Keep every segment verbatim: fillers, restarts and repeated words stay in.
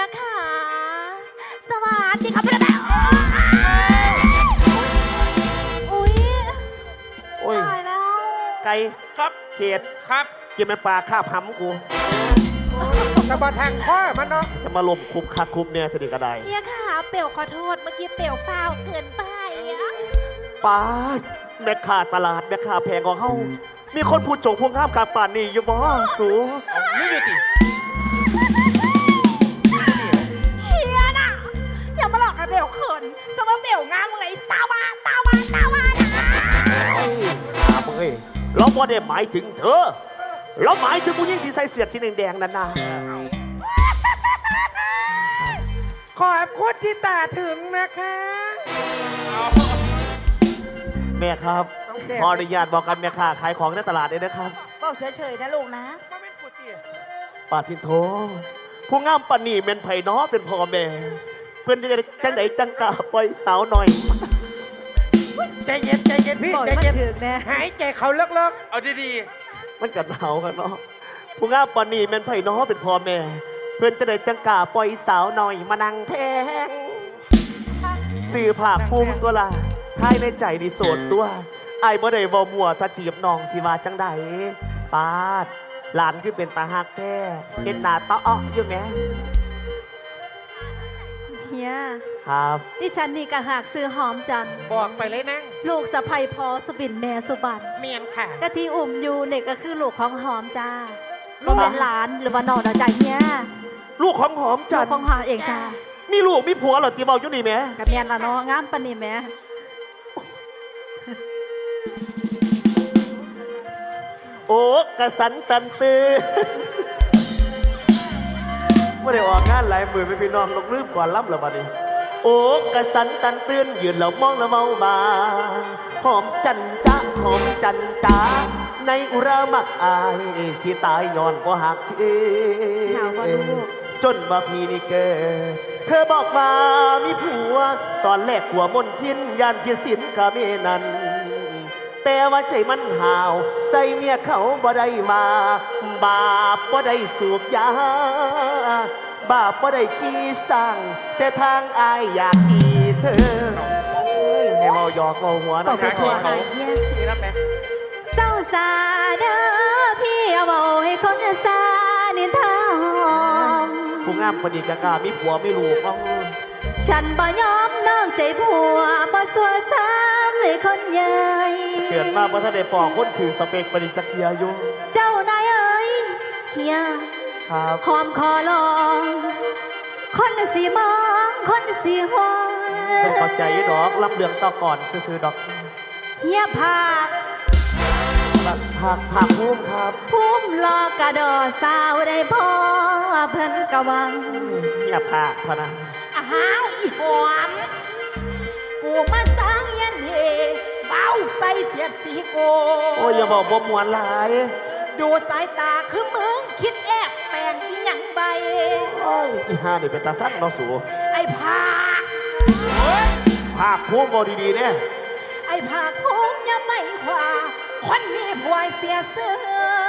ค่ะสวัสดีครับพี่แม่อุ้ยโอ้ยตายแล้วไก่ครับเขตครับกินมันปลาคาบหำกูสะบัดแทงข้อมันเนาะจะมาลมคุบคักคุบเนี่ยจะดีกระไดเฮียค่ะเปี่ยวขอโทษเมื่อกี้เปี่ยวฟาวเกินไปอะป้าแม่ค้าตลาดแม่ค้าแพงของเฮามีคนพูดโจกพวงข้ามกลางป่านนี่อยู่บ่สูนี่อยู่ติเฮียน่ะอย่ามาหลอกให้เปี่ยวเขินจะมาเปี่ยวงามมึงเลยตาวาตาวาตาวานะเฮ้ยถามเฮ้ยเราบ่ได้หมายถึงเธอเราหมายถึงผู้หญิงที่ใส่เสื้อสีแดงๆนั่นนะขอบคุณที่ตาถึงนะคะแม่ครับขออนุญาตบอกกันแม่ค้าขายของในตลาดเลยนะครับบอกเฉยๆนะลูกนะมาเป็นปุติป้าทินโทผู้งามปานนี่เป็นไผ่น้อเป็นพ่อแม่ เพื่อนจะจังไหนจังกะปล่อยสาวหน่อยใจเย็นใจเย็นพี่บอกใจมันเย็นถึงนะหายใจเขาเลิกเอาดีมันกัดหนาวกันเนาะผู้งามปานนี่เป็นไผ่น้อเป็นพ่อแม่ เพื่อนจะได้จังกะปล่อยสาวหน่อยมานั่งแทงสื่อภาพภูมิตัวละทายในใจนี่โสดตัวไอ้บ่ได้บ่มัวถ้าจีบน้องสิว่าจังใดปาดหลานคือเป็นตาหักแท้เห็นหน้าตาอ้ออยู่ไหมเฮียครับดิฉันนี่กะหากซื้อหอมจันทร์ๆบอกไปเลยนั่งลูกสะใภ้พอสบินแม่สุบันเมียนค่ะกะที่อุ่มอยู่เนี่ยก็คือลูกของหอมจ้าลูลูกกเป็นหลานหรือว่าน้องเราใจเฮียลูกของหอมลูจักนทของร์หอมเองจ้ามีลูกมีผัวเหรอตีเบาอยู่นี่แหม่กับแม่นละเนาะงามปานนี่แม่โอ้กระสันตันตือไม่ได้ออกงานหลายมือไม่พี่น้องลงลืมก่อนล้ำแล้วบัดนี้โอ้กระสันตันตื่นยืนแล้วมองแล้วเมามาหอมจันจ้าหอมจันจ้าในอุรามักอายสิตายย้อนก็หักทีหนาวบ่ลูกจนมาพี่นี่เกิดเธอบอกมามีผัว ตอนแรกหัวมนทินยานเพียสินกะเมนัน แต่ว่าใจมันห่าว ใส่เมียเขาบ่ได้มา บาปบ่ได้สูบยา บาปบ่ได้ขี้สั่ง แต่ทางอายอยากขี่เธอเฮ้ยให้เมาหยอกเมาหัวบอนะกไปทั่วหายเฮียๆนี่รับไหมเศร้าสาเด้อพี่เอาบอกให้คนสานินทาหอมผู้งามปณีกากามีผัวไม่ลูกเอาฉันบ่ยอมนอกใจผัวบ่สัวซ้ำให้คนใหญ่เกิดมาเพราะท่านได้ปอกคนถือสเปกปณีจักเทียอยู่เจ้านายเอ๋ยเฮียครับหอมคอลองคนสีมองคนสีหวงเป็นเข้าใจอยู่ดอกรับเรื่องต่อก่อนซื้อๆดอกเฮียผากผักผักพุ่มครับพุ่มรอกระดอสาวได้พ่อเพิ่นกะวังอย่าผักพะนะอ้าวอีหอมกูมาสร้างยันเฮเบ้าใส่เสียดสีโกโอ้ยอย่าบอกบ่มวนหลายดูสายตาคือมึงคิดแอบแปลงอีหยังใบโอ้ยอีห่านี่เป็นตาสั้นเนาะสูไอ้ผากผักพุ่มบ่ดีๆเนี่ยไอ้ผากภูมิยังไม่ขวาคนมีผัวเสียเสือ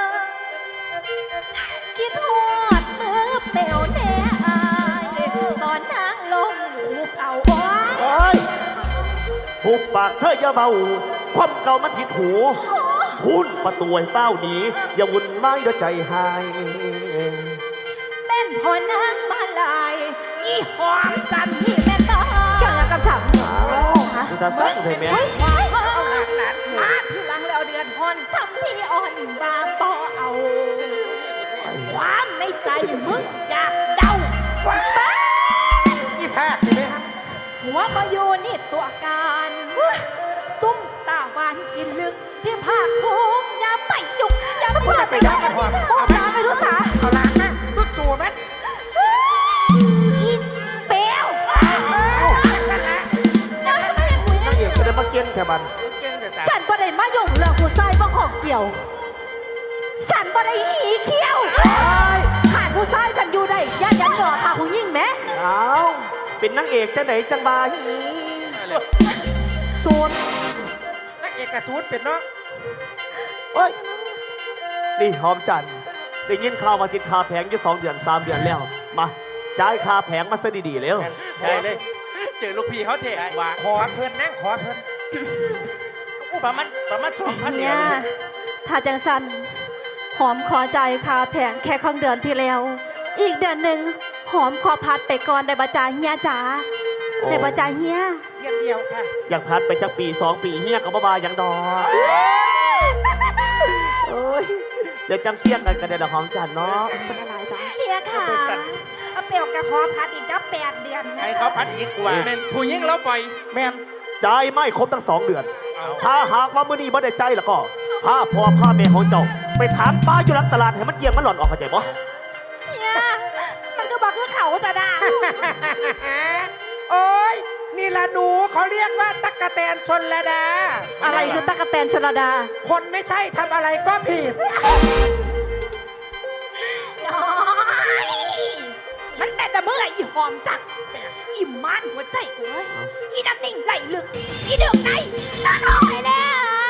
คิดหอดมือเปลวแน่อายตอนนางลงหูเอาไว้โอ้ยหุบปากเธออย่าเบาความเก่ามันผิดหูพุ่นประตูให้เฝ้าหนีอย่าวุ่นวายเดี๋ยวใจหายเต้นพอนางมาลายอีหอมจันนี่แม่ตาเกี่ยวยังกับฉันคือตาสั้นใช่ไหมเอาหลานหลานมาที่หลังแล้วเดือนหอนทำที่อ่อนบางต่อเอา ความในใจมึงอยากเดาบ้าอีแพกนี่ไหมฮะหัวมาโยนี่ตัวการซุ่มตาหวานกินลึก ที่ภาคภูมิอย่าไปยุกอย่าไปมึงจะไปยักกันพอโอ้เอายไม่รู้สาเอาล้างนะลูกสูบไหมอีเปลวสั่นละนางเอกก็ได้มาเก่งแถบันเก่งแต่จ้าฉันบ่ได้มายุ่งเรื่องผู้ชายบ่ของเกี่ยว ฉันบ่ได้หีเขี้ยวขาดผู้ชายฉันอยู่ได้ย่ายันหยอดพาผู้หญิงแหมเอาเป็นนางเอกจังไหนจังบาฮีสูตรนักเอกสูตรเป็นเนาะเฮ้ยนี่หอมจันทร์ได้ยินข่าวว่าติดคาแพงอยู่สองเดือนสามเดือนแล้วมาจ่ายค่าแผงมาซะดีๆแล้วได้เลย เจอลูกพี่เขาเถอะว่าขอเพิ่นนั่งขอเพิ่นประมาณประมาณสองพันเฮีเนี่ย ยถ้าจังสันหอมขอใจายค่าแผงแค่ของเดือนที่แล้ว อีกเดือนหนึ่งหอมขอพัดไปก่อนได้บาจาเฮียจ๋าโอ้ได้บาจาเฮียเดียวเดียวค่ะอยากพัดไปจักปีสองปีเฮียกับบ้าๆยังดอกโอ้ยเดี๋ยวจำเคียงกันกันในดอกหอมจันทร์เนาะเป็นอะไรจ๊ะเฮียค่ะเอาเปลวกระคอพัดอีกจะแปดเดือนนะให้เขาพัดอีกกว่าแม่นผู้หญิงเราปล่อยแม่นจ่ายไม่ครบทั้งสองเดือนเอาถ้าหากว่ามื้อนี้บ่ได้ใจแล้วก็พาพ่อพาแม่ของเจ้า ไปถางป้าอยู่หลังตลาดให้มันเยี่ยงมันหล่อนออกเข้าใจบ่เฮียมันก็บอกคือเขาสะดาโอ้ยนี่ละหนูเขาเรียกว่าตั๊กแตนชนระดาอะไรคือตั๊กแตนชลดาคนไม่ใช่ทำอะไรก็ผิดน้อยมันแต่แต่เมื่อไหร่อีหอมจักอิ่มมันหัวใจกูเลยอีน้ำนิ่งไหลลึกอีเดือดในจะหน่อยแล้ว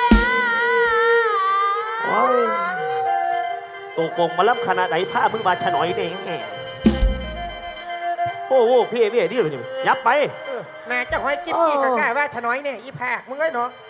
โอ้ยตัวโกงมาล้ำขนาดไหนผ้ามึงมาฉะหน่อยเองโอ้โหพี่เอ๋พี่เอ๋นี่เลยนี่ยับไปเออน่าจะหอยกินอีกกะกล้าว่าชะน้อยเนี่ยอีแพกมึงเอ้ยเนาะ